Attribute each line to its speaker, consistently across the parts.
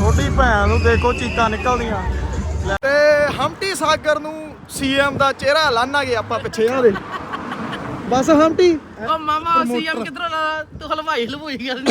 Speaker 1: ਛੋਟੀ ਭੈਣ ਨੂੰ ਦੇਖੋ ਚੀਕਾਂ ਨਿਕਲਦੀਆਂ। ਤੇ ਹੰਪਟੀ ਸਾਗਰ ਨੂੰ ਸੀਐਮ ਦਾ ਚਿਹਰਾ ਲਾਣਾਂਗੇ ਆਪਾਂ ਪਿੱਛੇ ਆ ਦੇ ਬਸ ਹੰਪਟੀ।
Speaker 2: ਓ ਮਾਮਾ ਸੀਐਮ ਕਿਧਰੋਂ ਲਾ ਤੂੰ ਹਲਵਾਈ ਗੱਲ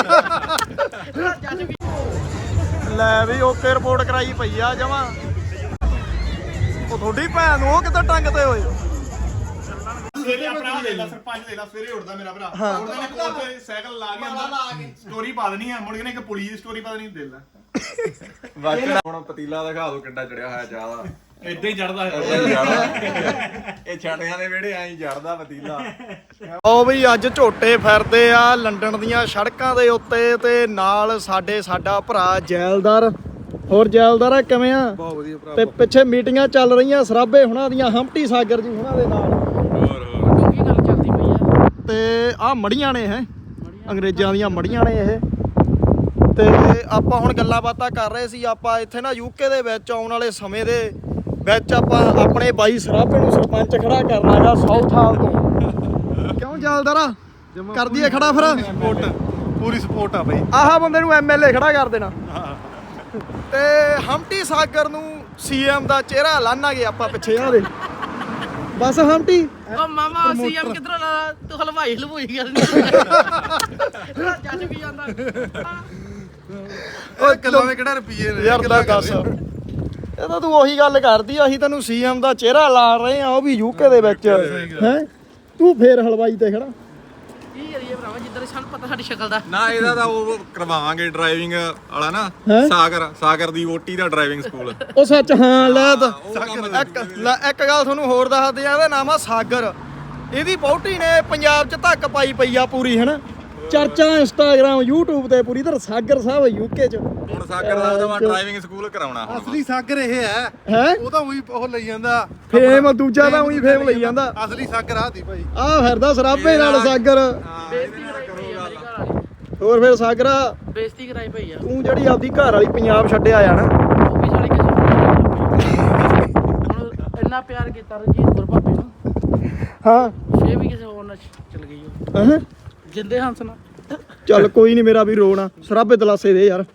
Speaker 1: ਲੈ ਵੀ ਓਕੇ ਰਿਪੋਰਟ ਕਰਾਈ ਪਈ ਆ ਜਮਾਂ। ਉਹ ਤੁਹਾਡੀ ਭੈਣ ਨੂੰ ਉਹ ਕਿੱਦਾਂ ਟੰਗ ਤੇ ਹੋਏ।
Speaker 3: ਸਵੇਰੇ ਆਪਣਾ ਲੈ ਲਾ ਸਰਪੰਚ ਲੈ ਲਾ ਸਵੇਰੇ ਉੱਠਦਾ ਮੇਰਾ ਭਰਾ ਉੱਠਦਾ ਨੇ ਕੋਲ ਤੇ ਸਾਈਕਲ ਲਾ ਕੇ ਅੰਦਰ ਸਟੋਰੀ ਪਾ ਦੇਣੀ ਆ ਮੁੜ ਕੇ ਨੇ ਇੱਕ ਪੁਲਿਸ ਦੀ ਸਟੋਰੀ ਪਾ ਦੇਣੀ ਦੇ ਲੈ
Speaker 4: ਵਾਕੜਾ ਹੁਣ ਪਤੀਲਾ ਦਿਖਾ ਦੋ ਕਿੱਡਾ ਚੜਿਆ ਹੋਇਆ ਚਾਹ ਦਾ।
Speaker 3: ਇਦਾਂ ਹੀ ਚੜਦਾ
Speaker 4: ਇਹ ਛਾਣਿਆਂ ਦੇ ਵਿਹੜੇ ਐਂ ਚੜਦਾ ਪਤੀਲਾ।
Speaker 1: ਉਹ ਵੀ ਅੱਜ ਝੋਟੇ ਫਿਰਦੇ ਆ ਲੰਡਨ ਦੀਆਂ ਸੜਕਾਂ ਦੇ ਉੱਤੇ ਤੇ ਨਾਲ ਸਾਡਾ ਭਰਾ ਜੈਲਦਾਰ। ਹੋਰ ਜੈਲਦਾਰ ਆ ਕਿਵੇਂ ਆ?
Speaker 4: ਬਹੁਤ ਵਧੀਆ ਭਰਾ।
Speaker 1: ਤੇ ਪਿੱਛੇ ਮੀਟਿੰਗਾਂ ਚੱਲ ਰਹੀਆਂ ਸਰਾਭੇ ਹੁਣਾਂ ਦੀਆਂ ਹੰਪਟੀ ਸਾਗਰ ਜੀ ਹੁਣਾਂ ਦੇ ਨਾਲ।
Speaker 2: ਕੀ ਗੱਲ ਚੱਲਦੀ ਪਈ ਆ?
Speaker 1: ਤੇ ਆਹ ਮੜੀਆਂ ਨੇ ਇਹ ਅੰਗਰੇਜ਼ਾਂ ਦੀਆਂ ਮੜੀਆਂ ਨੇ ਇਹ। ਤੇ ਆਪਾਂ ਹੁਣ ਗੱਲਾਂ ਬਾਤਾਂ ਕਰ ਰਹੇ ਸੀ। ਆਪਾਂ ਇੱਥੇ ਨਾ ਯੂਕੇ ਦੇ ਵਿੱਚ ਆਉਣ ਵਾਲੇ ਸਮੇਂ ਦੇ ਵਿੱਚ ਆਪਾਂ ਆਪਣੇ ਬਾਈ ਸਰਾਭੇ ਨੂੰ ਸਰਪੰਚ ਖੜਾ ਕਰਨਾ ਹੈਗਾ ਸਾਊਥ ਹਾਲ ਤੋਂ। ਕਿਉਂ ਜੈਲਦਾਰਾ ਕਰ ਦਈਏ ਖੜਾ ਫਿਰ?
Speaker 3: ਪੂਰੀ ਸਪੋਰਟ ਆ ਬਈ।
Speaker 1: ਆਹ ਬੰਦੇ ਨੂੰ ਐਮਐਲਏ ਖੜਾ ਕਰ ਦੇਣਾ। ਤੇ ਹੰਪਟੀ ਸਾਗਰ ਨੂੰ ਸੀਐਮ ਦਾ ਚਿਹਰਾ ਲਾਣਾਂਗੇ ਆਪਾਂ ਪਿੱਛੇ ਆ ਦੇ ਬਸ ਹੰਪਟੀ।
Speaker 2: ਓ ਮਾਮਾ ਸੀਐਮ ਕਿਧਰੋਂ ਲਾ ਤੂੰ ਹਲਵਾਈ ਗੱਲ ਜੱਜ ਵੀ ਜਾਂਦਾ।
Speaker 1: ਓਏ
Speaker 3: ਕਿਲੋ ਦੇ ਕਿਹੜਾ ਰੁਪਈਏ ਨੇ
Speaker 1: ਯਾਰ ਦਾ ਦੱਸ ਇਹ ਤਾਂ ਤੂੰ ਉਹੀ ਗੱਲ ਕਰਦੀ। ਅਸੀਂ ਤੈਨੂੰ ਸੀਐਮ ਦਾ ਚਿਹਰਾ ਲਾ ਰਹੇ ਆ ਉਹ ਵੀ ਯੂਕੇ ਦੇ ਵਿੱਚ ਹੈ। ਤੂੰ ਫੇਰ ਹਲਵਾਈ ਤੇ ਖੜਾ।
Speaker 2: ਕੀ ਕਰੀਏ ਭਰਾਵਾ ਜਿੱਦਾਂ ਸਾਨੂੰ ਪਤਾ ਸਾਡੀ ਸ਼ਕਲ ਦਾ।
Speaker 4: ਨਾ ਇਹਦਾ ਤਾਂ ਉਹ ਕਰਵਾਵਾਂਗੇ ਡਰਾਈਵਿੰਗ ਵਾਲਾ ਨਾ ਸਾਗਰ ਦੀ ਵੋਟੀ ਦਾ ਡਰਾਈਵਿੰਗ ਸਕੂਲ।
Speaker 1: ਉਹ ਸੱਚ ਹਾਂ ਲੈ ਤਾਂ ਇੱਕ ਗੱਲ ਤੁਹਾਨੂੰ ਹੋਰ ਦੱਸਦੇ ਆ। ਇਹਦਾ ਨਾਮ ਆ ਸਾਗਰ। ਇਹਦੀ ਵਹੁਟੀ ਨੇ ਪੰਜਾਬ 'ਚ ਧੱਕ ਪਾਈ ਪਈ ਆ ਪੂਰੀ ਹਨਾ। ਚਰਚਾ ਇੰਸਟਾਗ੍ਰਾਮ YouTube ਤੇ ਪੂਰੀ ਤਰ੍ਹਾਂ ਸਾਗਰ ਸਾਹਿਬ ਯੂਕੇ 'ਚ।
Speaker 4: ਹੁਣ ਸਾਗਰ ਦਾ ਮੈਂ ਡਰਾਈਵਿੰਗ ਸਕੂਲ ਕਰਾਉਣਾ ਹੁਣ।
Speaker 3: ਅਸਲੀ ਸਾਗਰ ਇਹ ਹੈ ਉਹ ਤਾਂ ਉਹੀ ਉਹ ਲਈ ਜਾਂਦਾ
Speaker 1: ਫੇਮ। ਦੂਜਾ ਤਾਂ ਉਹੀ ਫੇਮ ਲਈ ਜਾਂਦਾ।
Speaker 3: ਅਸਲੀ ਸਾਗਰ ਆਦੀ ਭਾਈ
Speaker 1: ਆਹ ਫਿਰਦਾ ਸਰਾਭੇ ਨਾਲ ਸਾਗਰ।
Speaker 2: ਬੇਇੱਜ਼ਤੀ ਕਰਾਈ ਪਈ ਆ ਮੇਰੀ ਘਰ ਵਾਲੀ।
Speaker 1: ਹੋਰ ਫਿਰ ਸਾਗਰਾ
Speaker 2: ਬੇਇੱਜ਼ਤੀ ਕਰਾਈ ਪਈ ਆ।
Speaker 1: ਤੂੰ ਜਿਹੜੀ ਆਪਦੀ ਘਰ ਵਾਲੀ ਪੰਜਾਬ ਛੱਡਿਆ ਆ ਨਾ।
Speaker 2: ਉਹ ਵੀ ਸਾਲੀ ਕਿਸੇ ਹੁਣ ਇੰਨਾ ਪਿਆਰ ਕੀਤਾ ਰਣਜੀਤ ਗੁਰ ਭਾਪੇ ਨੂੰ
Speaker 1: ਹਾਂ
Speaker 2: ਫੇਰ ਵੀ ਕਿਸੇ ਹੋਰ ਨਾਲ ਚਲ ਗਈ ਉਹ
Speaker 1: ਹਾਂ
Speaker 2: ਜਿੰਦੇ ਹੰਸ ਨਾਲ।
Speaker 1: ਚੱਲ ਕੋਈ ਨਹੀਂ ਮੇਰਾ ਵੀ ਰੋਣਾ ਸਰਾਭੇ ਦਲਾਸੇ ਦੇ ਯਾਰ।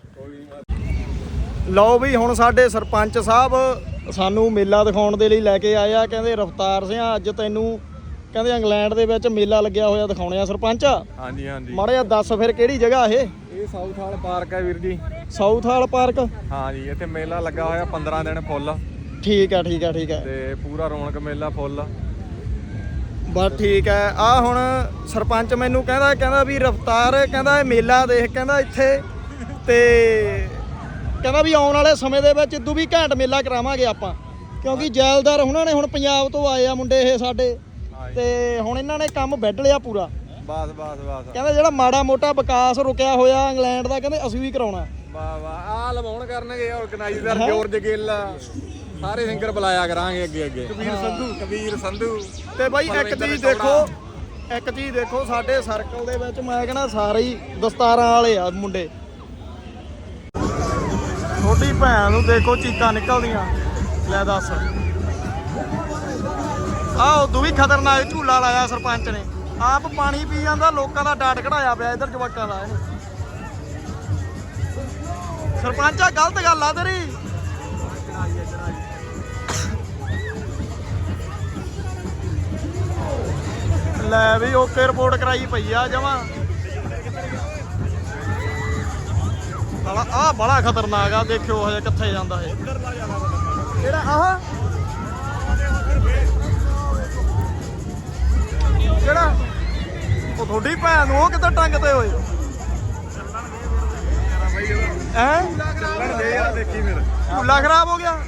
Speaker 1: ਲਓ ਵੀ ਹੁਣ ਸਾਡੇ ਸਰਪੰਚ ਸਾਹਿਬ ਸਾਨੂੰ ਮੇਲਾ ਦਿਖਾਉਣ ਦੇ ਲਈ ਲੈ ਕੇ ਆਏ ਆ। ਕਹਿੰਦੇ ਰਫਤਾਰ ਸਿੰਘ ਅੱਜ ਤੈਨੂੰ ਕਹਿੰਦੇ ਇੰਗਲੈਂਡ ਦੇ ਵਿੱਚ ਮੇਲਾ ਲੱਗਿਆ ਹੋਇਆ ਦਿਖਾਉਣੇ ਆ ਸਰਪੰਚ।
Speaker 4: ਹਾਂਜੀ ਹਾਂਜੀ।
Speaker 1: ਮਾੜਾ ਜਿਹਾ ਦੱਸ ਫਿਰ ਕਿਹੜੀ ਜਗ੍ਹਾ ਇਹ?
Speaker 4: ਇਹ ਸਾਊਥ ਹਾਲ ਪਾਰਕ ਹੈ ਵੀਰ ਜੀ।
Speaker 1: Southall park.
Speaker 4: ਹਾਂਜੀ ਇੱਥੇ ਮੇਲਾ ਲੱਗਾ ਹੋਇਆ 15 ਦਿਨ ਫੁੱਲ।
Speaker 1: ਠੀਕ ਆ ਠੀਕ ਆ ਠੀਕ ਆ।
Speaker 4: ਤੇ ਪੂਰਾ ਰੌਣਕ ਮੇਲਾ ਫੁੱਲ।
Speaker 1: ਬਸ ਠੀਕ ਹੈ। ਆ ਹੁਣ ਸਰਪੰਚ ਮੈਨੂੰ ਕਹਿੰਦਾ ਵੀ ਰਫਤਾਰ ਕਹਿੰਦਾ ਇਹ ਮੇਲਾ ਦੇਖ ਕਹਿੰਦਾ ਇੱਥੇ। ਤੇ ਕਹਿੰਦਾ ਵੀ ਆਉਣ ਵਾਲੇ ਸਮੇਂ ਦੇ ਵਿੱਚ ਇਦੋਂ ਵੀ ਘੈਂਟ ਮੇਲਾ ਕਰਾਵਾਂਗੇ ਆਪਾਂ। ਕਿਉਂਕਿ ਜੈਲਦਾਰ ਉਹਨਾਂ ਨੇ ਹੁਣ ਪੰਜਾਬ ਤੋਂ ਆਏ ਆ ਮੁੰਡੇ ਇਹ ਸਾਡੇ। ਤੇ ਹੁਣ ਇਹਨਾਂ ਨੇ ਕੰਮ ਵੱਢ ਲਿਆ ਪੂਰਾ।
Speaker 4: ਬਸ
Speaker 1: ਕਹਿੰਦਾ ਜਿਹੜਾ ਮਾੜਾ ਮੋਟਾ ਵਿਕਾਸ ਰੁਕਿਆ ਹੋਇਆ ਇੰਗਲੈਂਡ ਦਾ ਕਹਿੰਦੇ ਅਸੀਂ ਵੀ ਕਰਾਉਣਾ।
Speaker 4: ਵਾਹ ਆਹ ਲਵਾਉਣ ਕਰਨਗੇ ਆਰਗੇਨਾਈਜ਼ਰ ਜੋਰਜ ਗਿੱਲ ਸਾਰੇ ਸਿੰਗਰ ਬੁਲਾਇਆ ਕਰਾਂਗੇ ਅੱਗੇ। ਕਬੀਰ ਸੰਧੂ।
Speaker 1: ਤੇ ਬਾਈ ਇੱਕ ਚੀਜ਼ ਦੇਖੋ ਸਾਡੇ ਸਰਕਲ ਦੇ ਵਿੱਚ ਮੈਂ ਕਹਿੰਦਾ ਸਾਰੇ ਹੀ ਦਸਤਾਰਾਂ ਵਾਲੇ ਆ ਮੁੰਡੇ। ਛੋਟੀ ਭੈਣ ਨੂੰ ਦੇਖੋ ਚੀਕਾਂ ਨਿਕਲਦੀਆਂ। ਲੈ ਦੱਸ ਆਹ ਉਦੋਂ ਵੀ ਖਤਰਨਾਕ ਝੂਲਾ ਲਾਇਆ ਸਰਪੰਚ ਨੇ। ਆਪ ਪਾਣੀ ਪੀ ਜਾਂਦਾ ਲੋਕਾਂ ਦਾ ਡਾਟ ਕਢਾਇਆ ਪਿਆ ਇੱਧਰ ਜਵਾਕਾਂ ਦਾ। ਸਰਪੰਚ ਆ ਗਲਤ ਗੱਲ ਆ ਤੇਰੀ। ਲੈ ਵੀ ਓਕੇ ਰਿਪੋਰਟ ਕਰਾਈ ਪਈ ਆ ਜਮਾਂ। ਆਹ ਬੜਾ ਖਤਰਨਾਕ ਆ। ਦੇਖਿਓ ਹਜੇ ਕਿੱਥੇ ਜਾਂਦਾ ਇਹ ਕਿਹੜਾ ਆਹ ਕਿਹੜਾ? ਉਹ ਤੁਹਾਡੀ ਭੈਣ ਨੂੰ ਉਹ ਕਿੱਦਾਂ ਟੰਗ ਤੇ ਹੋਏ ਹੈ?
Speaker 4: ਦੇਖੀ ਫਿਰ
Speaker 1: ਝੂਲਾ ਖਰਾਬ ਹੋ ਗਿਆ।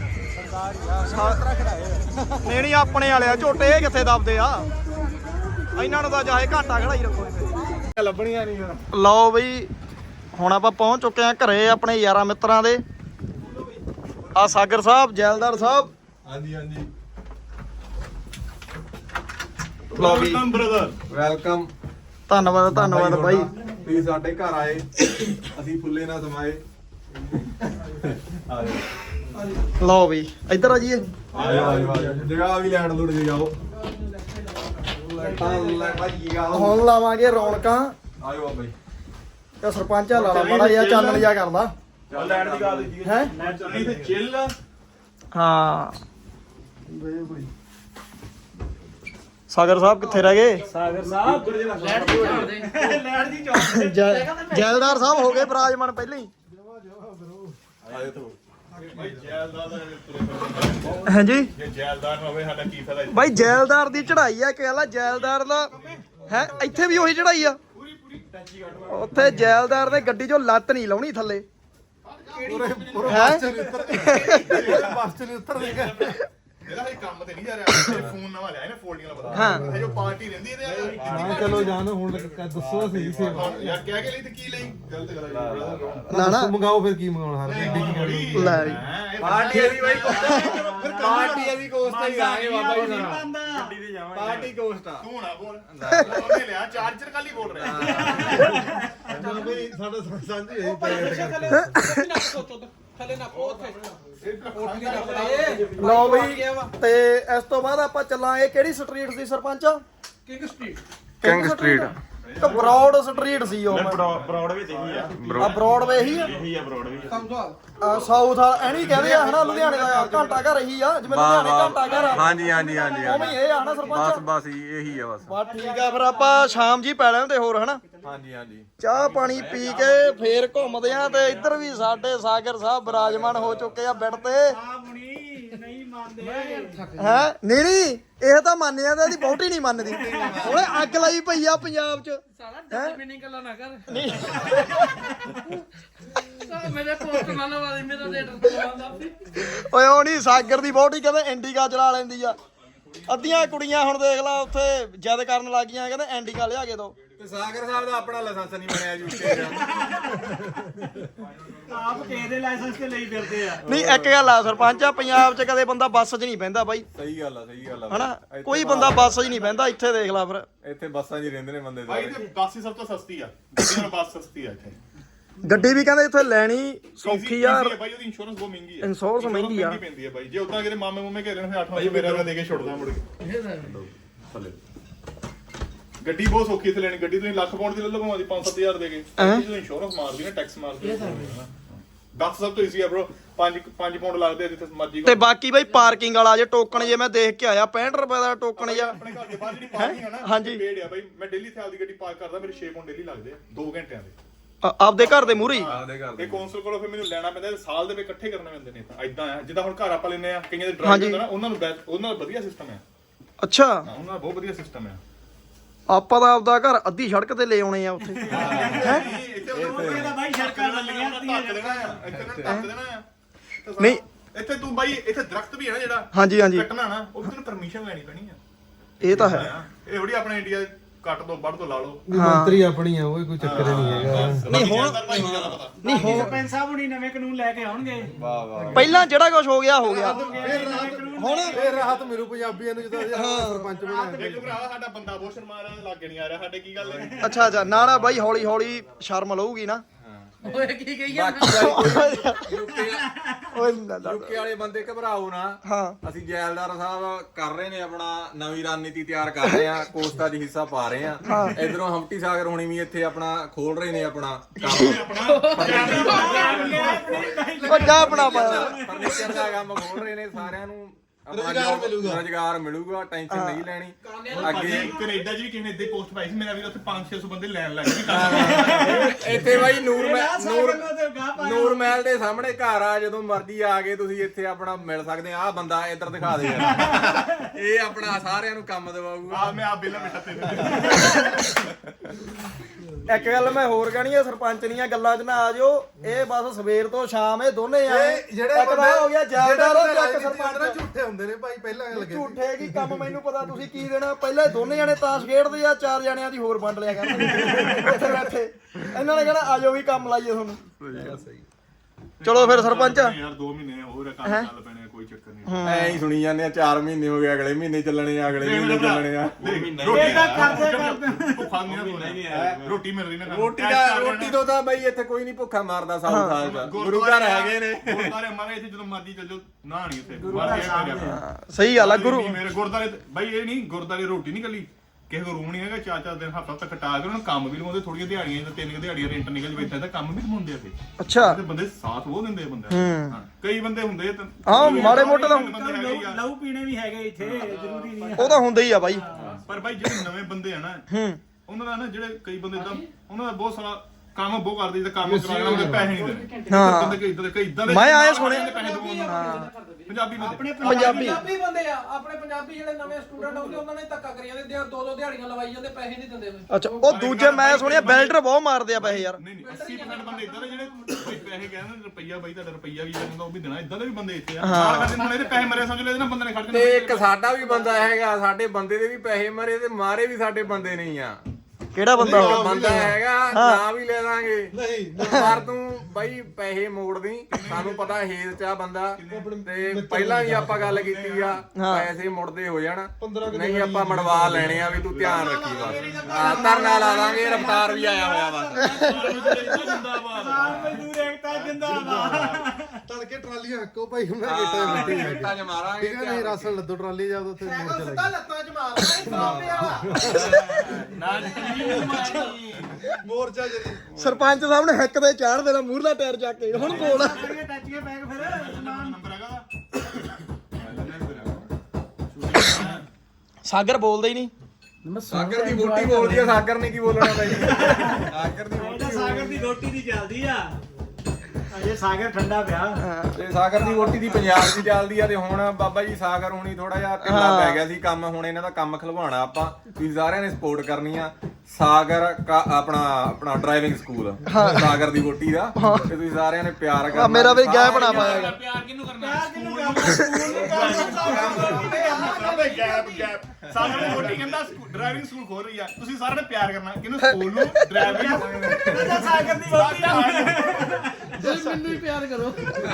Speaker 1: ਨਹੀਂ ਆਪਣੇ ਵਾਲੇ ਆ ਝੋਟੇ ਇਹ ਕਿੱਥੇ ਦੱਬਦੇ ਆ। ਇਹਨਾਂ ਨੂੰ ਤਾਂ ਚਾਹੇ ਘਾਟਾ ਖੜਾਈ ਰੱਖੋ।
Speaker 4: ਲੱਭਣੀਆਂ ਨਹੀਂ ਫਿਰ।
Speaker 1: ਲਓ ਬਈ ਹੁਣ ਆਪਾਂ ਪਹੁੰਚ ਚੁੱਕੇ ਆ ਘਰੇ ਆਪਣੇ ਯਾਰਾਂ ਮਿੱਤਰਾਂ ਦੇ। ਆ ਸਾਗਰ ਸਾਹਿਬ ਜੈਲਦਾਰ ਸਾਹਿਬ।
Speaker 4: ਹਾਂਜੀ
Speaker 3: ਵੈਲਕਮ ਬ੍ਰਦਰ।
Speaker 4: ਵੈਲਕਮ।
Speaker 1: ਧੰਨਵਾਦ ਬਾਈ।
Speaker 4: ਤੁਸੀਂ ਸਾਡੇ ਘਰ ਆਏ ਅਸੀਂ ਫੁੱਲੇ ਨਾ ਸਮਾਏ।
Speaker 1: ਲਓ ਬਈ ਇੱਧਰ ਆ ਜੀਏ।
Speaker 4: ਆਜੋ ਜਗ੍ਹਾ ਵੀ ਲੈਣ ਲੁੱਟ ਜਾਓ।
Speaker 1: ਹੁਣ ਲਾਵਾਂਗੇ ਰੌਣਕਾਂ।
Speaker 4: ਆਜੋ ਬਾਈ।
Speaker 1: ਤੇ ਸਰਪੰਚ ਲਾ ਲਾ ਮਾੜਾ ਜਿਹਾ ਚਾਨਣ ਜਿਹਾ ਕਰਦਾ।
Speaker 3: ਲੈਣ ਦੀ ਗੱਲ ਜੀ
Speaker 1: ਹੈ
Speaker 3: ਚੱਲਣੀ ਤੇ ਚਿੱਲ
Speaker 1: ਹਾਂ ਸਾਗਰ ਸਾਹਿਬ ਕਿੱਥੇ ਰਹਿ ਗਏ ਜੈਲਦਾਰ ਸਾਹਿਬ ਹੋ ਗਏ ਬਰਾਜਮਾਨ ਪਹਿਲਾਂ ਹੀ
Speaker 3: ਭਾਈ ਜੈਲਦਾਰ ਦਾ
Speaker 1: ਹਾਂਜੀ
Speaker 3: ਜੇ ਜੈਲਦਾਰ ਹੋਵੇ ਸਾਡਾ ਕੀ ਫਾਇਦਾ
Speaker 1: ਬਾਈ ਜੈਲਦਾਰ ਦੀ ਚੜਾਈ ਆ ਕਹਿ ਲਾ ਜੈਲਦਾਰ ਦਾ ਹੈ ਇੱਥੇ ਵੀ ਉਹੀ ਚੜਾਈ ਆ ਉੱਥੇ ਜੈਲਦਾਰ ਨੇ ਗੱਡੀ 'ਚੋਂ ਲੱਤ ਨਹੀਂ ਲਾਉਣੀ ਥੱਲੇ ਹੈ
Speaker 3: ਇਹਦਾ ਹਜੇ ਕੰਮ ਤੇ ਨਹੀਂ ਜਾ ਰਿਹਾ ਫੋਨ ਨਵਾਂ ਲਿਆ ਇਹਨੇ ਫੋਲਡਿੰਗ ਵਾਲਾ ਪਤਾ
Speaker 1: ਹਾਂ।
Speaker 3: ਇਹ ਜੋ ਪਾਰਟੀ ਰਹਿੰਦੀ ਇਹਦੇ
Speaker 5: ਹਾਂ ਚਲੋ ਜਾਨ ਹੁਣ ਦੱਸੋ ਸਹੀ ਸੇਵਾ
Speaker 3: ਯਾਰ ਕਹਿ ਕੇ ਲਈ ਤੇ ਕੀ ਲਈ ਗਲਤ ਗੱਲ ਹੈ
Speaker 1: ਨਾ ਨਾ
Speaker 5: ਮੰਗਾਓ ਫਿਰ ਕੀ ਮੰਗਾਉਣਾ ਹਰ ਗੱਡੀ ਕੀ ਕਰਨੀ
Speaker 1: ਲੈ ਜੀ।
Speaker 4: ਪਾਰਟੀ ਅਸੀਂ ਬਾਈ ਪਾਰਟੀ ਅਸੀਂ ਕੋਸਟਾ ਹੀ ਆਏ ਬਾਬਾ ਜੀ ਗੱਡੀ ਤੇ ਜਾਵਾਂਗੇ ਪਾਰਟੀ ਕੋਸਟਾ
Speaker 3: ਤੂੰ ਨਾ ਬੋਲ ਉਹਨੇ ਲਿਆ ਚਾਰਜਰ ਕੱਲ ਹੀ ਬੋਲ ਰਿਹਾ
Speaker 5: ਚਲੋ ਬਈ ਸਾਡਾ ਸਾਂਝੀ ਹੈ
Speaker 2: ਥੱਲੇ ਨਾ ਉੱਥੇ
Speaker 1: ਲਓ ਬਈ ਤੇ ਇਸ ਤੋਂ ਬਾਅਦ ਆਪਾਂ ਚੱਲਾਂਗੇ ਕਿਹੜੀ ਸਟਰੀਟ ਸੀ ਸਰਪੰਚ
Speaker 2: ਕਿੰਗ ਸਟਰੀਟ
Speaker 1: ਕਿੰਗ ਸਟਰੀਟ ਤੇ ਬਰੌਡ ਸਟਰੀਟ ਸੀ ਉਹ
Speaker 3: ਬਰੋਡਵੇ ਤੇ ਹੀ ਆ
Speaker 1: ਆ ਬਰੌਡਵੇ ਹੀ ਆ
Speaker 3: ਇਹੀ ਆ ਬਰੋਡਵੇ
Speaker 2: ਸਮਝੋ
Speaker 1: ਸਾਊਥ ਆ ਐਣੀ ਕਹਿੰਦੇ ਆ ਹਨਾ ਲੁਧਿਆਣੇ ਦਾ ਘੰਟਾ ਘਰ ਇਹੀ ਆ ਜਿਵੇਂ ਲੁਧਿਆਣੇ ਘੰਟਾ ਘਰ ਆ
Speaker 4: ਹਾਂਜੀ ਹਾਂਜੀ ਹਾਂਜੀ
Speaker 1: ਉਵੇਂ ਹੀ ਇਹ ਆ ਹਨਾ ਸਰਪੰਚ
Speaker 4: ਬਸ ਇਹੀ ਆ ਬਸ
Speaker 1: ਬਸ ਠੀਕ ਆ ਫਿਰ ਆਪਾਂ ਸ਼ਾਮ ਜੀ ਪੈ ਲੈਂਦੇ ਹੋਰ ਹਨਾ
Speaker 4: ਹਾਂਜੀ ਹਾਂਜੀ
Speaker 1: ਚਾਹ ਪਾਣੀ ਪੀ ਕੇ ਫੇਰ ਘੁੰਮਦੇ ਆ ਤੇ ਇੱਧਰ ਵੀ ਸਾਡੇ ਸਾਗਰ ਸਾਹਿਬ ਬਿਰਾਜਮਾਨ ਹੋ ਚੁੱਕੇ ਆ ਬੈੱਡ ਤੇ ਹੈ ਨਹੀਂ ਇਹ ਤਾਂ ਮੰਨਿਆ ਤੇ ਇਹਦੀ ਬਹੁਤੀ ਨਹੀਂ ਮੰਨਦੀ ਉਹਨੇ ਅੱਗ ਲਾਈ ਪਈ ਆ ਪੰਜਾਬ 'ਚ
Speaker 2: ਸਾਲਾ ਡਿਸਪਲਿਨ ਗੱਲਾਂ ਨਾ ਕਰ ਸਾਲਾ ਮੇਰੇ ਪੋਸਟ ਨਾਲ ਲਵਾ ਦੇ ਮੇਰਾ ਰੇਟ ਬਣਾਉਂਦਾ ਸੀ
Speaker 1: ਓਏ ਉਹ ਨਹੀਂ ਸਾਗਰ ਦੀ ਬਹੁਤੀ ਕਹਿੰਦੇ ਇੰਡੀਕਾ ਚਲਾ ਲੈਂਦੀ ਆ ਅੱਧੀਆਂ ਕੁੜੀਆਂ ਹੁਣ ਦੇਖ ਲਾ ਉੱਥੇ ਜਿੱਦ ਕਰਨ ਲੱਗ ਗਈਆਂ ਕਹਿੰਦੇ ਇੰਡੀਕਾ ਲਿਆ ਕੇ ਦੋ
Speaker 4: ਤੇ ਸਾਗਰ ਸਾਹਿਬ ਦਾ ਆਪਣਾ ਲਾਇਸੈਂਸ ਨਹੀਂ ਬਣਿਆ ਯੂਕੇ ਦਾ
Speaker 5: ਆਪ ਕਿਸੇ ਦੇ ਲਾਇਸੈਂਸ ਤੇ ਲਈ ਫਿਰਦੇ ਆ
Speaker 1: ਨਹੀਂ ਇੱਕ ਗੱਲ ਆ ਸਰਪੰਚ ਆ ਪੰਜਾਬ 'ਚ ਕਦੇ ਬੰਦਾ ਬੱਸ 'ਚ ਨਹੀਂ ਬਹਿੰਦਾ ਬਾਈ
Speaker 4: ਸਹੀ ਗੱਲ ਆ
Speaker 1: ਹਨਾ ਕੋਈ ਬੰਦਾ ਬੱਸ 'ਚ ਨਹੀਂ ਬਹਿੰਦਾ ਇੱਥੇ ਦੇਖ ਲਾ ਫਿਰ
Speaker 4: ਇੱਥੇ ਬੱਸਾਂ 'ਚ ਹੀ ਰਹਿੰਦੇ ਨੇ ਬੰਦੇ
Speaker 3: ਭਾਈ
Speaker 4: ਸਾਰੇ
Speaker 3: ਤੇ ਬੱਸ ਹੀ ਸਭ ਤੋਂ ਸਸਤੀ ਆ ਗੱਡੀ ਨਾਲ ਬੱਸ ਸਸਤੀ ਆ ਇੱਥੇ
Speaker 1: ਗੱਡੀ ਵੀ ਕਹਿੰਦੇ ਇੱਥੇ ਲੈਣੀ ਸੌਖੀ ਆ
Speaker 3: Easy ਭਾਈ ਉਹਦੀ ਇੰਸ਼ੋਰੈਂਸ ਬਹੁਤ ਮਹਿੰਗੀ ਆ
Speaker 1: ਇੰਸ਼ੋਰੈਂਸ ਮਹਿੰਗੀ ਆ
Speaker 3: ਪੈਂਦੀ ਆ ਭਾਈ ਜੇ ਉਦਾਂ ਕਿਤੇ ਮਾਮੇ ਮੂਮੇ ਘੇਰੇ ਨੇ 8 ਵਜੇ ਮੇਰਾ ਦਾ ਦੇ ਕੇ ਛੁੱਟਦਾ ਮੁੜ ਕੇ ਥੱਲੇ ਗੱਡੀ ਬਹੁਤ ਸੌਖੀ ਇੱਥੇ ਲੈਣੀ ਗੱਡੀ ਤੁਸੀਂ ਲੱਖ ਪਾਉਂਡ ਦੀ ਲੈ ਲਓ ਭਾਵੇਂ 5-7 ਦੇ ਕੇ ਤੁਸੀਂ ਇੰਸ਼ੋਰੈਂਸ ਮਾਰਦੀ ਨਾ ਟੈਕਸ ਮਾਰਦੀ ਬੱਸ ਸਭ ਤੋਂ ਈਜ਼ੀ ਆ ਬ్రో 5 ਪਾਉਂਡ ਲੱਗਦੇ ਆ ਜਿੱਥੇ ਮਰਜ਼ੀ
Speaker 1: ਤੇ ਬਾਕੀ ਬਾਈ ਪਾਰਕਿੰਗ ਵਾਲਾ ਜੇ ਟੋਕਨ ਜੇ ਮੈਂ ਦੇਖ ਕੇ ਆਇਆ 65 ਰੁਪਏ ਦਾ ਟੋਕਨ ਜਾਂ
Speaker 3: ਆਪਣੇ ਘਰ ਦੇ ਬਾਹਰ ਜਿਹੜੀ ਪਾਰਕਿੰਗ ਆ ਨਾ
Speaker 1: ਹਾਂਜੀ।
Speaker 3: ਪੇਡ ਆ ਭਾਈ ਮੈਂ ਡੇਲੀ ਇੱਥੇ ਆਪਦੀ ਗੱਡੀ ਪਾਰਕ ਕਰਦਾ ਮੇਰੇ 6 ਪਾਉਂਡ ਡੇਲੀ ਲੱਗਦੇ ਆ 2 ਘੰਟਿਆਂ ਦੇ
Speaker 1: ਆਪਦੇ ਘਰ ਦੇ ਮੂਹਰੇ ਹੀ
Speaker 4: ਆਪਦੇ ਘਰ
Speaker 3: ਇਹ ਕੌਂਸਲ ਕੋਲੋਂ ਫਿਰ ਮੈਨੂੰ ਲੈਣਾ ਪੈਂਦਾ ਸਾਲ ਦੇ ਵਿੱਚ ਇਕੱਠੇ ਕਰਨੇ ਪੈਂਦੇ ਨੇ ਤਾਂ ਇਦਾਂ ਆ ਜਿੱਦਾਂ ਹੁਣ ਘਰ ਆਪਾਂ ਲੈਨੇ ਆ ਕਈਆਂ ਦੇ
Speaker 1: ਹਾਂਜੀ।
Speaker 3: ਡਰਾਈਵਰ ਹੁੰਦਾ ਨਾ ਉਹਨਾਂ ਦਾ ਵਧੀਆ ਸਿਸਟਮ ਹੈ
Speaker 1: ਅੱਛਾ
Speaker 3: ਉਹਨਾਂ ਦਾ ਬਹੁਤ ਵਧੀਆ ਸਿਸਟਮ ਹੈ
Speaker 1: ਆਪਾਂ ਤਾਂ ਆਪਦਾ ਘਰ ਅੱਧੀ ਸੜਕ ਤੇ ਲੈ ਆਉਣੇ ਆ ਉੱਥੇ
Speaker 3: ਇੱਥੇ ਤਾਂ ਬਾਈ ਸ਼ਰਕਾਂ ਲੱਗੀਆਂ ਧੱਕ ਦੇਣਾ ਆ ਇੱਥੇ ਨਾ ਧੱਕ ਦੇਣਾ ਆ ਤੇ ਸਾਰਾ-
Speaker 1: ਨਹੀਂ।
Speaker 3: ਇੱਥੇ ਤੂੰ ਬਾਈ ਇੱਥੇ ਦਰਖਤ ਵੀ ਹੈ ਨਾ ਜਿਹੜਾ
Speaker 1: ਹਾਂਜੀ ਹਾਂਜੀ
Speaker 3: ਕੱਟਣਾ ਨਾ ਉਹ ਵੀ ਤੈਨੂੰ ਪਰਮਿਸ਼ਨ ਲੈਣੀ ਪੈਣੀ ਆ
Speaker 1: ਇਹ ਤਾਂ ਹੈ
Speaker 3: ਇਹ ਥੋੜੀ ਆਪਣੇ ਇੰਡੀਆ ਕੱਟ ਦੋ ਵੱਢ ਦੋ ਲਾ ਲਓ
Speaker 5: ਮੰਤਰੀ ਆਪਣੀ ਆ ਉਹ ਕੋਈ ਚੱਕਰ ਨਹੀਂ ਹੈਗਾ
Speaker 1: ਨਹੀਂ ਹੁਣ ਨਹੀਂ ਹੁਣ
Speaker 5: ਸਰਪੰਚ ਸਾਹਿਬ ਹੁਣੀ ਨਵੇਂ ਕਾਨੂੰਨ ਲੈ ਕੇ ਆਉਣਗੇ
Speaker 4: ਵਾਹ ਵਾਹ
Speaker 1: ਪਹਿਲਾਂ ਜਿਹੜਾ ਕੁਝ ਹੋ ਗਿਆ
Speaker 5: ਹੁਣ ਫੇਰ ਰਾਹਤ ਮਿਲੂ ਪੰਜਾਬੀਆਂ ਨੂੰ ਜਦੋਂ ਸਰਪੰਚ ਬਣਾਇਆ
Speaker 3: ਇੱਕ ਭਰਾ ਸਾਡਾ ਬੰਦਾ ਬਹੁਤ ਸ਼ਰਮਾ ਰਿਹਾ ਲੱਗੇ ਨਹੀਂ ਆ ਰਿਹਾ ਸਾਡੇ ਕੀ ਗੱਲ ਹੈ
Speaker 1: ਅੱਛਾ ਅੱਛਾ ਨਾ ਨਾ ਬਾਈ ਹੌਲੀ ਹੌਲੀ ਸ਼ਰਮ ਲਊਗੀ ਨਾ
Speaker 2: ਓਏ ਕੀ ਕਹੀ ਜਾਂਦਾ
Speaker 1: ਓਏ ਨਾ ਨਾ।
Speaker 4: ਯੂਕੇ ਵਾਲੇ ਬੰਦੇ ਘਬਰਾਓ ਨਾ
Speaker 1: ਹਾਂ
Speaker 4: ਅਸੀਂ ਜੈਲਦਾਰ ਸਾਹਿਬ ਕਰ ਰਹੇ ਨੇ ਆਪਣਾ ਨਵੀਂ ਰਣਨੀਤੀ ਤਿਆਰ ਕਰ ਰਹੇ ਆ ਕੋਸਟਾ 'ਚ ਹਿੱਸਾ ਪਾ ਰਹੇ ਆ ਇਧਰੋਂ ਹੰਪਟੀ ਸਾਗਰ ਹੋਣੀ ਵੀ ਇੱਥੇ ਆਪਣਾ ਖੋਲ ਰਹੇ ਨੇ ਆਪਣਾ ਕੰਮ
Speaker 1: ਉਹ ਜਾ ਬਣਾ ਪਾਇਆ
Speaker 4: ਫਰਨੀਚਰ ਦਾ ਕੰਮ ਖੋਲ ਰਹੇ ਨੇ ਸਾਰਿਆਂ ਨੂੰ ਰੁਜ਼ਗਾਰ ਮਿਲੂਗਾ ਟੈਨਸ਼ਨ ਨਹੀਂ ਲੈਣੀ ਅੱਗੇ
Speaker 3: ਕੈਨੇਡਾ 'ਚ ਵੀ ਕਿਸੇ ਨੇ ਇੱਦਾਂ ਪੋਸਟ ਪਾਈ ਸੀ ਮੇਰਾ ਵੀਰ ਉੱਥੇ 500-600 ਬੰਦੇ ਲੈਣ ਲੱਗ ਗਏ
Speaker 4: ਇੱਥੇ ਬਾਈ ਨੂਰ ਮਹਿਲ ਦੇ ਸਾਹਮਣੇ ਘਰ ਆ ਜਦੋਂ ਮਰਜ਼ੀ ਆ ਕੇ ਤੁਸੀਂ ਇੱਥੇ ਆਪਣਾ ਮਿਲ ਸਕਦੇ ਆ ਬੰਦਾ ਇੱਧਰ ਦਿਖਾ ਦੇ ਯਾਰ ਇਹ ਆਪਣਾ ਸਾਰਿਆਂ ਨੂੰ ਕੰਮ ਦਿਵਾਊਗਾ
Speaker 3: ਆ ਮੈਂ ਆ ਬਿੱਲ ਮਿਟਾ ਤੇ
Speaker 1: ਇੱਕ ਗੱਲ ਮੈਂ ਹੋਰ ਕਹਿਣੀ ਆ ਸਰਪੰਚ ਦੀਆਂ ਗੱਲਾਂ 'ਚ ਨਾ ਆ ਜਾਓ ਇਹ ਬਸ ਸਵੇਰ ਤੋਂ ਸ਼ਾਮ ਇਹ ਦੋਨੇ ਆ
Speaker 5: ਜਿਹੜੇ
Speaker 1: ਇੱਕ ਤਾਂ ਹੋ ਗਿਆ ਜੈਲਦਾਰ ਤੇ ਇੱਕ ਸਰਪੰਚ
Speaker 5: ਝੂਠੇ ਹੁੰਦੇ ਨੇ ਭਾਈ ਪਹਿਲਾਂ ਲੱਗੇ
Speaker 1: ਝੂਠੇ ਕੀ ਕੰਮ ਮੈਨੂੰ ਪਤਾ ਤੁਸੀਂ ਕੀ ਦੇਣਾ ਪਹਿਲਾਂ ਇਹ ਦੋਨੇ ਜਣੇ ਤਾਸ਼ ਖੇਡਦੇ ਆ 4 ਜਣਿਆਂ ਦੀ ਹੋਰ ਵੰਡ ਲਿਆ ਕਰਨਗੇ ਇੱਥੇ ਬੈਠੇ ਇਹਨਾਂ ਨੇ ਕਹਿਣਾ ਆਜੋ ਵੀ ਕੰਮ ਲਾਈਏ ਤੁਹਾਨੂੰ ਚਲੋ ਫਿਰ ਸਰਪੰਚ
Speaker 3: ਯਾਰ 2 ਮਹੀਨੇ ਹੋਰ ਕੰਮ ਚੱਲ ਪੈਣੇ ਕੋਈ ਚੱਕਰ ਨਹੀਂ
Speaker 4: ਐਂ ਹੀ ਸੁਣੀ ਜਾਂਦੇ ਆ 4 ਮਹੀਨੇ ਹੋ ਗਏ ਅਗਲੇ ਮਹੀਨੇ ਚੱਲਣੇ ਆ ਅਗਲੇ ਮਹੀਨੇ ਚੱਲਣੇ ਆ
Speaker 3: ਰੋਟੀ ਦਾ ਕਰਦੇ ਭੁੱਖਾ ਨਹੀਂ ਰੋਟੀ ਮਿਲ ਰਹੀ ਨਾ
Speaker 4: ਰੋਟੀ ਤੋਂ ਤਾਂ ਬਈ ਇੱਥੇ ਕੋਈ ਨਹੀਂ ਭੁੱਖਾ ਮਾਰਦਾ ਸਾਊਥ ਹਾਲ ਦਾ ਗੁਰੂ ਘਰ ਹੈਗੇ ਨੇ
Speaker 3: ਗੁਰਦਾਰੇ ਮਾਰੇ ਇੱਥੇ ਜਦੋਂ ਮਰਜੀ ਚੱਲ ਜਾਓ ਨਾ ਨਹੀਂ ਉੱਥੇ
Speaker 1: ਸਹੀ ਗੱਲ ਆ ਗੁਰੂ
Speaker 3: ਮੇਰੇ ਗੁਰਦਾਰੇ ਬਾਈ ਇਹ ਨਹੀਂ ਗੁਰਦਾਰੇ ਰੋਟੀ ਨਹੀਂ ਕੱਲੀ ਕਿਸੇ ਕੋ ਰੂਮ ਨਹੀਂ ਹੈਗਾ 4-4 ਦਿਨ ਹਫ਼ਤਾ ਤੱਕ ਕਟਾ ਕੇ ਉਹਨਾਂ ਨੂੰ ਕੰਮ ਵੀ ਲਵਾਉਂਦੇ, ਥੋੜੀਆਂ ਦਿਹਾੜੀਆਂ ਜਾਂ 3 ਦਿਹਾੜੀਆਂ ਰੈਂਟ ਨਿਕਲ ਜਵੇ ਇੱਥੇ ਤਾਂ ਕੰਮ ਵੀ ਲਵਾਉਂਦੇ ਆ।
Speaker 1: ਅੱਛਾ
Speaker 3: ਤੇ ਬੰਦੇ ਸਾਥ ਉਹ ਦਿੰਦੇ ਆ ਬੰਦੇ। ਹਾਂ ਕਈ ਬੰਦੇ ਹੁੰਦੇ
Speaker 1: ਹਾਂ ਮਾੜੇ ਮੋਟੇ ਤਾਂ
Speaker 3: ਬੰਦੇ ਹੈਗੇ ਆ।
Speaker 6: ਲਹੂ ਪੀਣੇ ਵੀ ਹੈਗੇ ਇੱਥੇ, ਜ਼ਰੂਰੀ ਨਹੀਂ
Speaker 1: ਉਹ ਤਾਂ ਹੁੰਦੇ ਹੀ ਆ ਬਾਈ।
Speaker 3: ਪਰ ਬਾਈ ਜਿਹੜੇ ਨਵੇਂ ਬੰਦੇ ਆ ਨਾ ਉਹਨਾਂ ਦਾ ਨਾ ਜਿਹੜੇ ਕਈ ਬੰਦੇ ਇਦਾਂ ਉਹਨਾਂ ਦਾ ਬਹੁਤ ਸਾਰਾ ਕੰਮ ਬਹੁਤ ਕਰਦੇ ਤੇ ਕੰਮ ਕਰਾਉਣਾ ਉਹਦੇ ਪੈਸੇ ਨਹੀਂ ਦਿੰਦੇ।
Speaker 1: ਹਾਂ।
Speaker 3: ਬੰਦੇ ਕਈ ਇਦਾਂ ਦੇ
Speaker 1: ਮੈਂ ਆਏ ਸੁਣਿਆ
Speaker 3: ਪੈਸੇ ਦਵਾਉਣ ਪੰਜਾਬੀ ਬੰਦੇ
Speaker 2: ਪੰਜਾਬੀ ਬੰਦੇ ਆ ਆਪਣੇ ਪੰਜਾਬੀ ਜਿਹੜੇ ਨਵੇਂ ਸਟੂਡੈਂਟ ਹੁੰਦੇ ਉਹਨਾਂ ਨੇ ਧੱਕਾ ਕਰੀ ਜਾਂਦੇ, 2-2 ਦਿਹਾੜੀਆਂ ਲਵਾਈ ਜਾਂਦੇ, ਪੈਸੇ ਨਹੀਂ ਦਿੰਦੇ ਹੋਏ।
Speaker 1: ਅੱਛਾ ਉਹ ਦੂਜੇ ਮੈਂ ਸੁਣਿਆ ਬਿਲਡਰ ਬਹੁਤ ਮਾਰਦੇ ਆ ਪੈਸੇ ਯਾਰ।
Speaker 3: ਨਹੀਂ 80% ਬੰਦੇ ਇਦਾਂ ਦੇ ਜਿਹੜੇ ਕੋਈ ਪੈਸੇ ਕਹਿੰਦੇ ਰੁਪਈਆ ਬਾਈ ਤੁਹਾਡਾ ਰੁਪਈਆ ਵੀ ਜਾਂਦਾ ਉਹ ਵੀ ਦੇਣਾ, ਇਦਾਂ ਦੇ ਵੀ ਬੰਦੇ ਇੱਥੇ ਆ। ਨਾਲ ਕਰਦੇ ਹੁਣ ਇਹਦੇ ਪੈਸੇ ਮਰੇ ਸਮਝ ਲੈ ਇਹਦੇ ਨਾਲ ਬੰਦੇ ਨੇ ਖੜ
Speaker 4: ਤੇ ਇੱਕ ਸਾਡਾ ਵੀ ਬੰਦਾ ਹੈਗਾ, ਸਾਡੇ ਬੰਦੇ ਦੇ ਵੀ ਪੈਸੇ ਮਰੇ ਤੇ ਮਾਰੇ ਵੀ ਸਾਡੇ ਬੰਦੇ ਨਹੀਂ ਆ।
Speaker 1: ਕਿਹੜਾ ਬੰਦਾ ਉਹ?
Speaker 4: ਬੰਦਾ ਹੈਗਾ ਨਾ ਵੀ ਲੈ ਦਾਂਗੇ
Speaker 5: ਨਹੀਂ
Speaker 4: ਪਰ ਤੂੰ ਬਾਈ ਪੈਸੇ ਮੋੜ ਦੀ, ਸਾਨੂੰ ਪਤਾ ਹੇਜ਼ ਚ ਆ ਬੰਦਾ ਤੇ ਪਹਿਲਾਂ ਵੀ ਆਪਾਂ ਗੱਲ ਕੀਤੀ ਆ ਪੈਸੇ ਮੁੜਦੇ ਹੋ ਜਾਣ, ਨਹੀਂ ਆਪਾਂ ਮੜਵਾ ਲੈਣੇ ਆ ਵੀ ਤੂੰ ਧਿਆਨ ਰੱਖੀ ਬਸ। ਹਾਂ ਧਰਨਾ ਲਾ ਦਾਂਗੇ, ਰਫਤਾਰ ਵੀ ਆਇਆ ਹੋਇਆ ਬਸ।
Speaker 6: ਮਜ਼ਦੂਰ ਏਕਤਾ ਜਿੰਦਾਬਾਦ।
Speaker 5: ਤੜਕੇ ਟਰਾਲੀਆਂ ਹੱਕੋ ਭਾਈ ਉਹਨਾਂ ਗੇਟਾਂ ਮਿੱਟੀ ਹੈ
Speaker 4: ਗੇਟਾਂ 'ਚ ਮਾਰਾਂਗੇ।
Speaker 5: ਠੀਕ ਹੈ ਨਹੀਂ ਰਾਸਨ ਲੱਦੋ ਟਰਾਲੀ ਜਾ ਉੱਥੇ ਮੋੜ ਚਲੇ
Speaker 2: ਲੱਤਾਂ 'ਚ ਮਾਰਦਾ
Speaker 5: ਮੋਰਚਾ ਜਦੀ
Speaker 1: ਸਰਪੰਚ ਸਾਹਿਬ ਨੇ ਹਿੱਕ ਦੇ ਚਾੜ ਦੇਣਾ ਮੂਹਰਲਾ ਟਾਇਰ ਚੱਕ ਕੇ। ਹੁਣ ਬੋਲ
Speaker 6: ਟੱਚੀਏ ਬੈਗ ਫਿਰ
Speaker 3: ਨੰਬਰ ਹੈਗਾ
Speaker 1: ਸਾਗਰ ਬੋਲਦਾ ਹੀ ਨਹੀਂ।
Speaker 4: ਸਾਗਰ ਦੀ ਵੋਟੀ ਬੋਲਦੀ ਆ, ਸਾਗਰ ਨੇ ਕੀ ਬੋਲਣਾ ਬਾਈ? ਸਾਗਰ ਦੀ
Speaker 6: ਇਹਦਾ ਸਾਗਰ ਦੀ ਰੋਟੀ ਦੀ ਚੱਲਦੀ ਆ, ਅਜੇ ਸਾਗਰ ਠੰਡਾ ਪਿਆ।
Speaker 4: ਤੇ ਸਾਗਰ ਦੀ ਵੋਟੀ ਦੀ ਪੰਜਾਬ 'ਚ ਚੱਲਦੀ ਆ। ਤੇ ਹੁਣ ਬਾਬਾ ਜੀ ਸਾਗਰ ਹੁਣੀ ਥੋੜਾ ਜਿਹਾ ਢਿੱਲਾ ਪੈ ਗਿਆ ਸੀ ਕੰਮ, ਹੁਣ ਇਹਨਾਂ ਦਾ ਕੰਮ ਖਲਵਾਉਣਾ ਆਪਾਂ, ਤੁਸੀਂ ਸਾਰਿਆਂ ਨੇ ਸਪੋਰਟ ਕਰਨੀ ਆ। ਸਾਗਰ ਆਪਣਾ ਡਰਾਈਵਿੰਗ ਸਕੂਲ ਸਾਗਰ ਦੀ ਵੋਟੀ ਦਾ, ਤੇ ਤੁਸੀਂ ਸਾਰਿਆਂ ਨੇ ਪਿਆਰ ਕਰਨਾ।
Speaker 1: ਮੇਰਾ ਵੀ ਗੈਪ ਬਣਾ ਪਾਏਗਾ।
Speaker 2: ਪਿਆਰ ਕਿਹਨੂੰ ਕਰਨਾ?
Speaker 3: ਗੈਪ ਸਾਗਰ ਦੀ ਵੋਟੀ ਕਹਿੰਦਾ ਡਰਾਈਵਿੰਗ ਸਕੂਲ ਖੋਲ ਰਹੀ ਆ, ਤੁਸੀਂ ਸਾਰਿਆਂ ਨੇ ਪਿਆਰ ਕਰਨਾ ਕਿਹਨੂੰ? ਸਕੂਲ ਨੂੰ, ਡਰਾਈਵਿੰਗ।
Speaker 6: ਸਾਗਰ ਦੀ ਰੋਟੀ
Speaker 2: ਮੈਨੂੰ ਵੀ ਪਿਆਰ ਕਰੋ।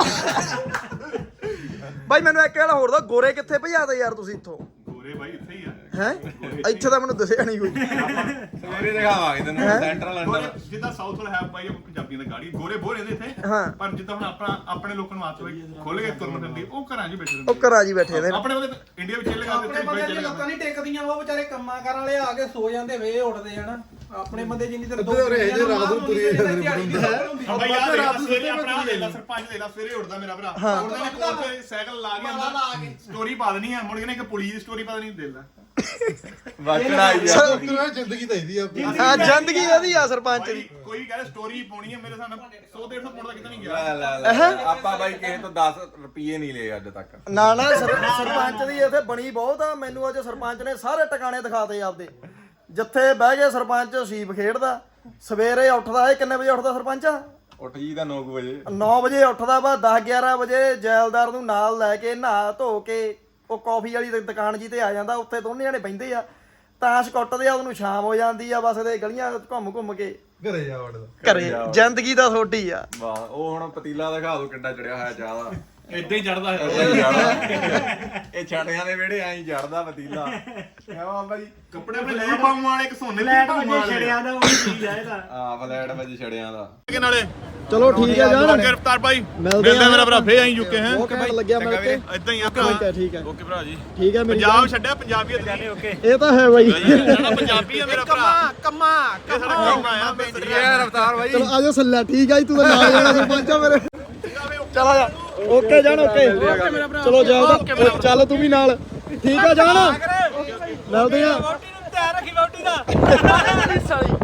Speaker 1: ਬਾਈ ਮੈਨੂੰ ਇੱਕ ਗੱਲ ਹੋਰ ਦਾ, ਗੋਰੇ ਕਿੱਥੇ ਭਜਾਦੇ ਯਾਰ ਤੁਸੀਂ ਇੱਥੋਂ?
Speaker 3: ਗੋਰੇ ਬਾਈ ਇੱਥੇ ਹੀ ਆ।
Speaker 1: ਹੈ ਇੱਥੇ ਤਾਂ ਮੈਨੂੰ ਦੱਸਿਆ ਨਹੀਂ ਕੋਈ।
Speaker 4: ਸਵੇਰੇ ਦਿਖਾਵਾਂਗੇ ਤੈਨੂੰ ਸੈਂਟਰਲ
Speaker 3: ਗੋਰੇ
Speaker 4: ਅੰਡਰ।
Speaker 3: ਜਿੱਦਾਂ ਸਾਊਥ ਵਾਲਾ ਹੈ ਬਾਈ ਪੰਜਾਬੀਆਂ ਦਾ ਗਾੜੀ ਗੋਰੇ ਬੋਰ ਇਹਦੇ ਇੱਥੇ।
Speaker 1: ਹਾਂ।
Speaker 3: ਪਰ ਜਿੱਦਾਂ ਹੁਣ ਆਪਣੇ ਲੋਕਾਂ ਨੂੰ ਆਦਤ ਹੋਈ ਖੁੱਲ ਕੇ ਤੁਰਨ ਫਿਰਦੀ, ਉਹ ਘਰਾਂ 'ਚ ਹੀ ਬੈਠੇ
Speaker 1: ਉਹ
Speaker 3: ਰਹਿੰਦੇ।
Speaker 1: ਘਰਾਂ 'ਚ ਹੀ ਬੈਠੇ ਨੇ।
Speaker 3: ਆਪਣੇ ਉਹਦੇ ਇੰਡੀਆ ਵਿੱਚ ਚੱਲੇਗਾ
Speaker 2: ਆਪਣੇ ਬੰਦੇ ਦੀ ਲੱਤਾਂ ਨਹੀਂ ਟੇਕਦੀਆਂ, ਉਹ ਵਿਚਾਰੇ ਕੰਮਾਂ ਕਰਨ ਵਾਲੇ ਆ ਕੇ ਸੋ ਜਾਂਦੇ, ਵੇ ਉੱਠਦੇ ਹਨਾ। ਆਪਣੇ ਬੰਦੇ ਜਿੰਨੀ ਤੇ
Speaker 5: ਅੱਧੇ ਉਰੇ ਇਹਦੇ ਰਾਤ ਨੂੰ ਤੁਰੀ ਜਾਂਦੇ
Speaker 3: ਬਾਈ ਯਾਰ ਰਾਤ ਨੂੰ ਸਵੇਰੇ ਆਪਣਾ ਲੈ ਲਾ, ਸਰਪੰਚ ਲੈ ਲਾ, ਸਵੇਰੇ ਉੱਠਦਾ ਮੇਰਾ ਭਰਾ, ਉੱਠਦਾ ਨੇ ਕੋਲ ਤੇ ਸਾਈਕਲ ਲਾ ਕੇ ਆਉਂਦਾ, ਸਟੋਰੀ ਪਾ ਦੇਣੀ ਆ, ਮੁੜ ਕੇ ਨੇ ਇੱਕ ਪੁਲਿਸ ਦੀ ਸਟੋਰੀ ਪਾ ਦੇਣੀ, ਦੇ ਲੈ
Speaker 4: ਵਟਣਾ ਹੀ ਆ।
Speaker 5: ਜ਼ਿੰਦਗੀ ਤਾਂ ਇਹਦੀ ਆ
Speaker 1: ਹਾਂ ਜ਼ਿੰਦਗੀ ਉਹਦੀ ਆ ਸਰਪੰਚ ਦੀ।
Speaker 3: ਕੋਈ ਕਹਿੰਦਾ ਸਟੋਰੀ ਪਾਉਣੀ ਆ, ਮੇਰੇ ਹਿਸਾਬ ਨਾਲ 100-150 ਪੁੰਡ ਦਾ ਕਿਤੇ ਨਹੀਂ
Speaker 4: ਲੈ
Speaker 3: ਗਿਆ।
Speaker 4: ਲੈ ਲੈ, ਆਪਾਂ ਬਾਈ ਕਿਸੇ ਤੋਂ 10 ਰੁਪਏ ਨਹੀਂ ਲਏ ਅੱਜ ਤੱਕ।
Speaker 1: ਨਾ ਨਾ ਸਰਪੰਚ ਦੀ ਇੱਥੇ ਬਣੀ ਬਹੁਤ ਆ। ਮੈਨੂੰ ਅੱਜ ਸਰਪੰਚ ਨੇ ਸਾਰੇ ਟਿਕਾਣੇ ਦਿਖਾਤੇ ਆਪਦੇ, ਜਿੱਥੇ ਬਹਿ ਕੇ ਸਰਪੰਚ ਸੀਪ ਖੇਡਦਾ, ਸਵੇਰੇ ਉੱਠਦਾ। ਇਹ ਕਿੰਨੇ ਵਜੇ ਉੱਠਦਾ ਸਰਪੰਚ?
Speaker 4: ਉੱਠ ਜੀ ਦਾ 9 ਵਜੇ
Speaker 1: 9 ਵਜੇ ਉੱਠਦਾ ਵਾ। 10-11 ਵਜੇ ਜੈਲਦਾਰ ਨੂੰ ਨਾਲ ਲੈ ਕੇ ਨਹਾ ਧੋ ਕੇ ਉਹ ਕਾਫੀ ਵਾਲੀ ਦੁਕਾਨ ਜੀ ਤੇ ਆ ਜਾਂਦਾ। ਉੱਥੇ ਦੋਨੇ ਜਣੇ ਬਹਿੰਦੇ ਆ, ਤਾਸ਼ ਕੁੱਟਦੇ ਆ। ਉਹਨੂੰ ਸ਼ਾਮ ਹੋ ਜਾਂਦੀ ਆ, ਬਸ ਇਹਦੇ ਗਲੀਆਂ ਘੁੰਮ ਕੇ
Speaker 5: ਘਰੇ ਜਾ ਵੜਦਾ।
Speaker 1: ਘਰੇ। ਜ਼ਿੰਦਗੀ ਤਾਂ ਛੋਟੀ ਆ।
Speaker 4: ਵਾਹ, ਉਹ ਹੁਣ ਪਤੀਲਾ ਦਿਖਾ ਦੋ ਕਿੱਡਾ ਚੜਿਆ ਹੋਇਆ ਚਾਹ ਦਾ।
Speaker 2: ਏਦਾਂ ਹੀ ਚੜਦਾ ਹੈ।
Speaker 4: ਇਹ ਛਾਟਿਆਂ ਦੇ ਵਿਹੜੇ ਐਂ ਚੜਦਾ ਪਤੀਲਾ। ਕਿਉਂ ਬਾਬਾ ਜੀ?
Speaker 3: ਕੱਪੜੇ ਆਪਣੇ ਲੈ ਪਾਉਣ ਵਾਲੇ ਇੱਕ ਸੋਨੇ
Speaker 6: ਲੈਟ ਵਜੇ ਛੜਿਆ ਦਾ ਉਹ ਚੀਜ਼ ਆ ਇਹਦਾ।
Speaker 4: ਹਾਂ ਫਲੈਟ ਵਜੇ ਛੜਿਆਂ ਦਾ।
Speaker 3: ਨਾਲੇ
Speaker 1: ਚਲੋ ਠੀਕ ਹੈ ਜਾਨ,
Speaker 3: ਗ੍ਰਿਫਤਾਰ ਭਾਈ
Speaker 1: ਮਿਲਦੇ ਆ
Speaker 3: ਮੇਰਾ ਭਰਾ ਫੇ ਆਈ ਯੂਕੇ ਹੈ।
Speaker 1: ਬਹੁਤ ਘੈਂਟ ਲੱਗਿਆ ਮਿਲ ਕੇ।
Speaker 3: ਇਦਾਂ ਹੀ ਆ
Speaker 1: ਠੀਕ ਹੈ ਠੀਕ ਹੈ
Speaker 3: ਓਕੇ ਭਰਾ ਜੀ।
Speaker 1: ਠੀਕ ਹੈ। ਮੇਰੀ
Speaker 3: ਪੰਜਾਬ ਛੱਡਿਆ ਪੰਜਾਬੀਅਤ ਨਹੀਂ। ਓਕੇ
Speaker 1: ਇਹ ਤਾਂ ਹੈ ਬਾਈ।
Speaker 3: ਸਾਡਾ ਪੰਜਾਬੀ ਆ ਮੇਰਾ ਭਰਾ।
Speaker 2: ਕੰਮਾ
Speaker 3: ਇਹ ਸਾਡਾ ਕੰਮ ਆਇਆ
Speaker 4: ਇਹ ਰਫਤਾਰ ਬਾਈ।
Speaker 1: ਚਲੋ ਆਜੋ ਸੱਲਾ। ਠੀਕ ਆ ਜੀ, ਤੂੰ ਤਾਂ ਨਾਲ ਜਾਣਾ ਸਰਪੰਚ ਆ ਮੇਰੇ। ਚਲ ਆ ਜਾ। ਓਕੇ ਜਾਨ ਓਕੇ। ਚਲੋ ਜਾ ਚੱਲ ਤੂੰ ਵੀ ਨਾਲ। ਠੀਕ ਆ ਜਾਨ, ਮਿਲਦੇ ਆ।
Speaker 6: ਧਿਆਨ ਰੱਖੀ ਬੌਟੀ ਦਾ।